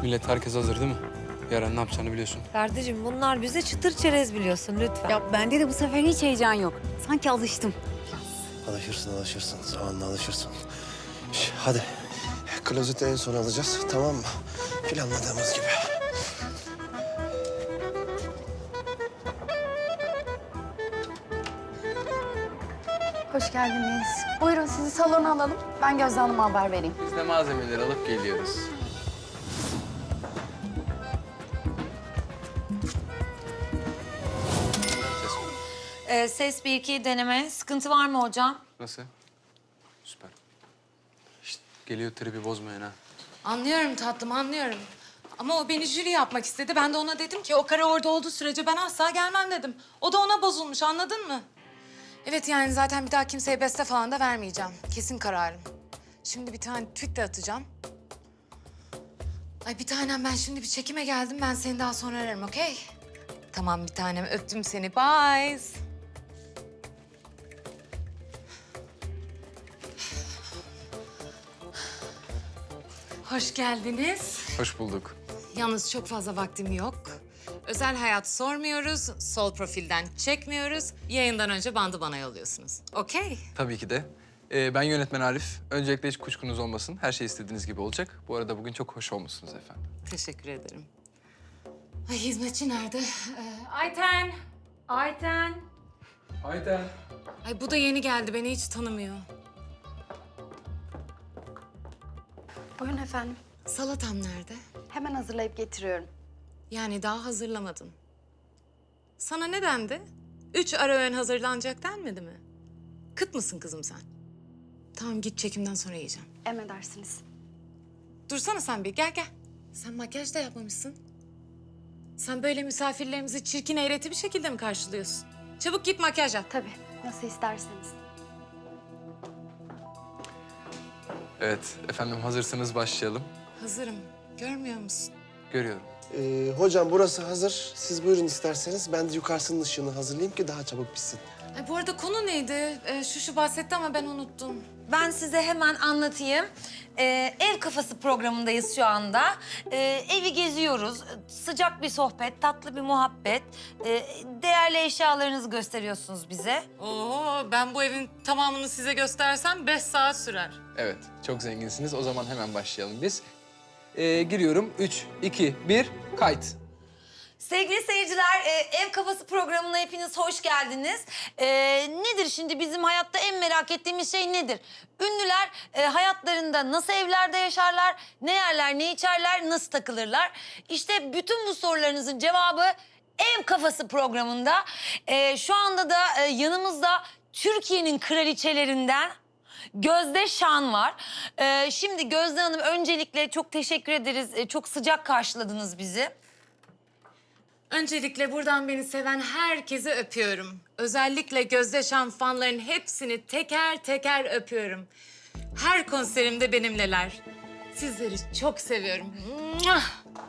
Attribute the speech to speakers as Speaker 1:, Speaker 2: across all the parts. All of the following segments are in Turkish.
Speaker 1: Millet herkes hazır değil mi? Yarın ne yapacağını biliyorsun.
Speaker 2: Ferdi'cim bunlar bize çıtır çerez biliyorsun lütfen.
Speaker 3: Ya bende de bu sefer hiç heyecan yok. Sanki alıştım.
Speaker 4: Alışırsın. Zamanla alışırsın. Hadi. Klozeti en son alacağız, tamam mı? Planladığımız gibi.
Speaker 5: Hoş geldiniz. Buyurun sizi salona alalım. Ben Gözde Hanım'a haber vereyim.
Speaker 1: Biz de malzemeleri alıp geliyoruz. Ses ver.
Speaker 2: Ses 1-2 deneme. Sıkıntı var mı hocam?
Speaker 1: Nasıl? Süper. Şişt, geliyor tribi bozmayın ha.
Speaker 6: Anlıyorum tatlım, anlıyorum. Ama o beni jüri yapmak istedi. Ben de ona dedim ki o kara orada olduğu sürece ben asla gelmem dedim. O da ona bozulmuş, anladın mı? Evet yani zaten bir daha kimseye beste falan da vermeyeceğim. Kesin kararım. Şimdi bir tane tweet de atacağım. Ay bir tanem ben şimdi bir çekime geldim. Ben seni daha sonra ararım, okey? Tamam bir tanem, öptüm seni. Bye. Hoş geldiniz.
Speaker 1: Hoş bulduk.
Speaker 6: Yalnız çok fazla vaktim yok. Özel hayat sormuyoruz, sol profilden çekmiyoruz. Yayından önce bandı bana yolluyorsunuz. Okey?
Speaker 1: Tabii ki de. Ben yönetmen Arif. Öncelikle hiç kuşkunuz olmasın. Her şey istediğiniz gibi olacak. Bu arada bugün çok hoş olmuşsunuz efendim.
Speaker 6: Teşekkür ederim. Ay hizmetçi nerede? Ayten. Ayten.
Speaker 1: Ayten.
Speaker 6: Ay bu da yeni geldi, beni hiç tanımıyor.
Speaker 5: Buyurun efendim.
Speaker 6: Salatam nerede?
Speaker 5: Hemen hazırlayıp getiriyorum.
Speaker 6: Yani daha hazırlamadım. Sana ne dendi? 3 ara öğün hazırlanacak denmedi mi? Kıt mısın kızım sen? Tamam git çekimden sonra yiyeceğim.
Speaker 5: Emredersiniz.
Speaker 6: Dursana sen bir, gel. Sen makyaj da yapmamışsın. Sen böyle misafirlerimizi çirkin eğreti bir şekilde mi karşılıyorsun? Çabuk git makyaj yap.
Speaker 5: Tabii, nasıl isterseniz.
Speaker 1: Evet efendim hazırsanız başlayalım.
Speaker 6: Hazırım. Görmüyor musun?
Speaker 1: Görüyorum.
Speaker 4: Hocam burası hazır. Siz buyurun isterseniz. Ben de yukarısının ışığını hazırlayayım ki daha çabuk bitsin.
Speaker 6: Ay, bu arada konu neydi? Şu bahsetti ama ben unuttum.
Speaker 2: Ben size hemen anlatayım. Ev kafası programındayız şu anda. Evi geziyoruz. Sıcak bir sohbet, tatlı bir muhabbet. Değerli eşyalarınızı gösteriyorsunuz bize.
Speaker 6: Oo, ben bu evin tamamını size göstersem 5 saat sürer.
Speaker 1: Evet çok zenginsiniz. O zaman hemen başlayalım biz. Giriyorum. 3, 2, 1, kayıt.
Speaker 2: Sevgili seyirciler, Ev Kafası programına hepiniz hoş geldiniz. Nedir şimdi bizim hayatta en merak ettiğimiz şey nedir? Ünlüler hayatlarında nasıl evlerde yaşarlar, ne yerler, ne içerler, nasıl takılırlar? İşte bütün bu sorularınızın cevabı Ev Kafası programında. Şu anda da yanımızda Türkiye'nin kraliçelerinden Gözde Şan var. Şimdi Gözde Hanım öncelikle çok teşekkür ederiz. Çok sıcak karşıladınız bizi.
Speaker 6: Öncelikle buradan beni seven herkese öpüyorum. Özellikle Gözde Şan fanların hepsini teker teker öpüyorum. Her konserimde benimleler. Sizleri çok seviyorum. Muah!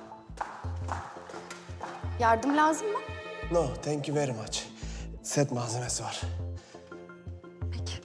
Speaker 5: Yardım lazım mı?
Speaker 4: No, thank you very much. Set malzemesi var.
Speaker 5: Peki.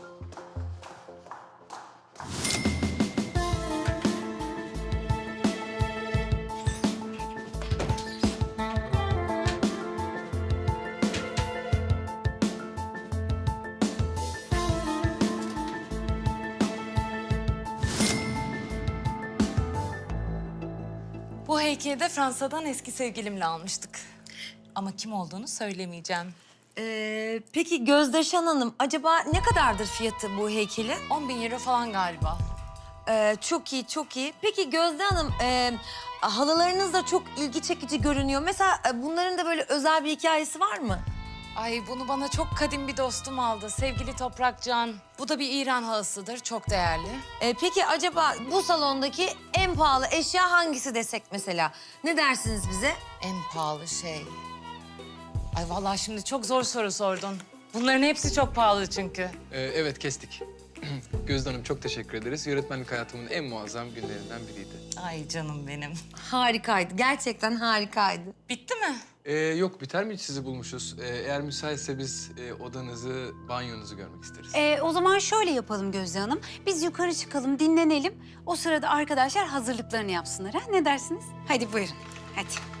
Speaker 6: Bu heykeli de Fransa'dan eski sevgilimle almıştık. Ama kim olduğunu söylemeyeceğim.
Speaker 2: Peki Gözde Şan Hanım, acaba ne kadardır fiyatı bu heykeli?
Speaker 6: 10.000 euro falan galiba.
Speaker 2: Çok iyi, çok iyi. Peki Gözde Hanım, halılarınız da çok ilgi çekici görünüyor. Mesela bunların da böyle özel bir hikayesi var mı?
Speaker 6: Ay bunu bana çok kadim bir dostum aldı. Sevgili Toprakcan. Bu da bir İran halısıdır. Çok değerli.
Speaker 2: Peki acaba bu salondaki en pahalı eşya hangisi desek mesela? Ne dersiniz bize?
Speaker 6: En pahalı şey. Ay vallahi şimdi çok zor soru sordun. Bunların hepsi çok pahalı çünkü.
Speaker 1: Evet kestik. Gözde Hanım çok teşekkür ederiz. Yönetmenlik hayatımın en muazzam günlerinden biriydi.
Speaker 6: Ay canım benim.
Speaker 2: Harikaydı, gerçekten harikaydı.
Speaker 6: Bitti mi?
Speaker 1: Yok, biter mi hiç sizi bulmuşuz? Eğer müsaitse biz odanızı, banyonuzu görmek isteriz.
Speaker 3: O zaman şöyle yapalım Gözde Hanım. Biz yukarı çıkalım, dinlenelim. O sırada arkadaşlar hazırlıklarını yapsınlar. Ha? Ne dersiniz? Hadi buyurun. Hadi.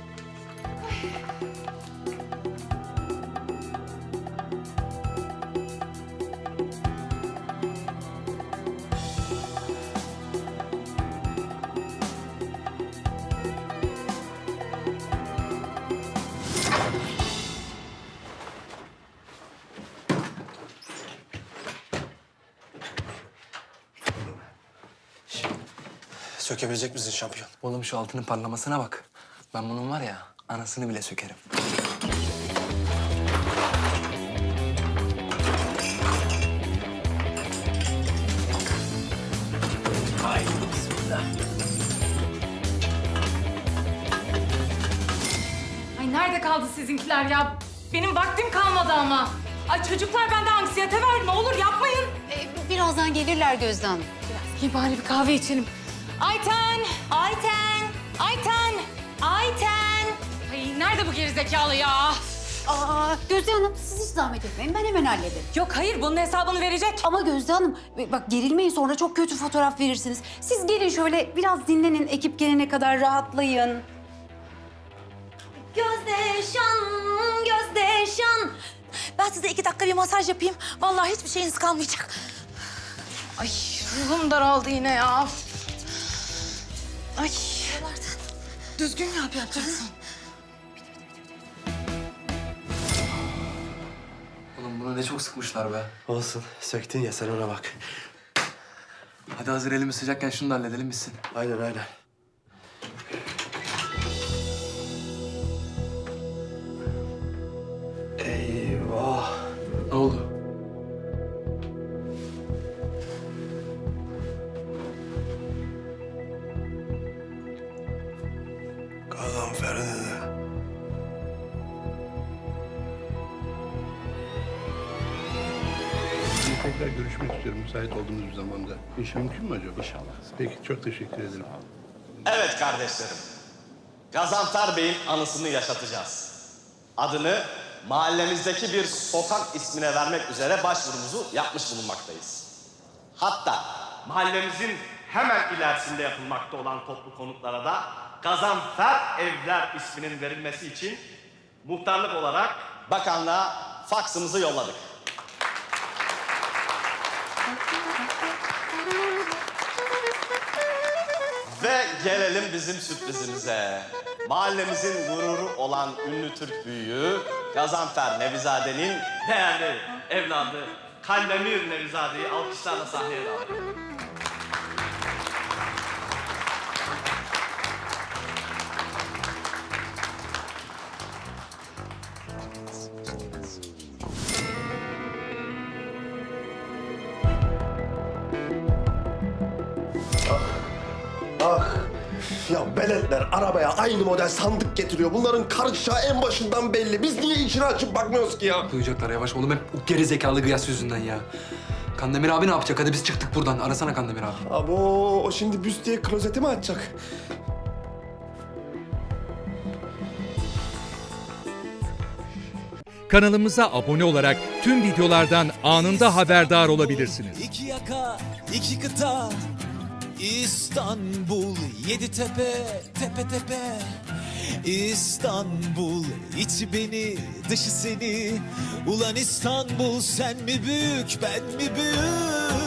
Speaker 4: Sökebilecek misin şampiyon?
Speaker 1: Oğlum şu altının parlamasına bak. Ben bunun var ya, anasını bile sökerim.
Speaker 6: Ay nerede kaldı sizinkiler ya? Benim vaktim kalmadı ama. Ay çocuklar bende anksiyete var. Ne olur yapmayın.
Speaker 3: Birazdan gelirler Gözde Hanım.
Speaker 6: İyi bari bir kahve içelim. Ayten!
Speaker 2: Ayten! Ayten! Ayten!
Speaker 6: Ay nerede bu gerizekalı ya?
Speaker 3: Gözde Hanım siz hiç zahmet etmeyin. Ben hemen hallederim.
Speaker 6: Yok hayır bunun hesabını verecek.
Speaker 3: Ama Gözde Hanım bak gerilmeyin sonra çok kötü fotoğraf verirsiniz. Siz gelin şöyle biraz dinlenin. Ekip gelene kadar rahatlayın.
Speaker 2: Gözdeşan, Gözdeşan. Ben size 2 dakika bir masaj yapayım. Vallahi hiçbir şeyiniz kalmayacak.
Speaker 6: Ay ruhum daraldı yine ya. Ay. Düzgün yapacaksın.
Speaker 1: Oğlum bunu ne çok sıkmışlar be.
Speaker 4: Olsun. Söktün ya sen ona bak.
Speaker 1: Hadi hazır elimiz sıcakken şunu da halledelim bitsin.
Speaker 4: Aynen aynen. Eyvah.
Speaker 1: Ne oldu?
Speaker 4: Gazanfer dedi.
Speaker 7: Tekrar görüşmek istiyorum müsait olduğumuz bir zamanda. İş mümkün mü acaba? İnşallah. Peki çok teşekkür ederim.
Speaker 8: Evet kardeşlerim. Gazanfer Bey'in anısını yaşatacağız. Adını mahallemizdeki bir sokak ismine vermek üzere başvurumuzu yapmış bulunmaktayız. Hatta mahallemizin hemen ilerisinde yapılmakta olan toplu konutlara da Gazanfer Evler isminin verilmesi için muhtarlık olarak bakanlığa faksımızı yolladık. Ve gelelim bizim sürprizimize. Mahallemizin gururu olan ünlü Türk büyüğü Gazanfer Nevizade'nin değerli evladı Kandemir Nevizade'yi alkışlarla sahneye davet ediyorum.
Speaker 4: Ah. Ya beletler arabaya aynı model sandık getiriyor. Bunların karışacağı en başından belli. Biz niye içini açıp bakmıyoruz ki ya?
Speaker 1: Duyacaklar yavaş oğlum, hep o geri zekalı Gıyas yüzünden ya. Kandemir abi ne yapacak? Hadi biz çıktık buradan. Arasana Kandemir abi.
Speaker 4: Abo o şimdi büst diye klozeti mi açacak?
Speaker 9: Kanalımıza abone olarak tüm videolardan anında haberdar olabilirsiniz.
Speaker 10: İki yaka, iki kıta, İstanbul, yedi tepe, tepe tepe. İstanbul, içi beni, dışı seni. Ulan İstanbul, sen mi büyük, ben mi büyük?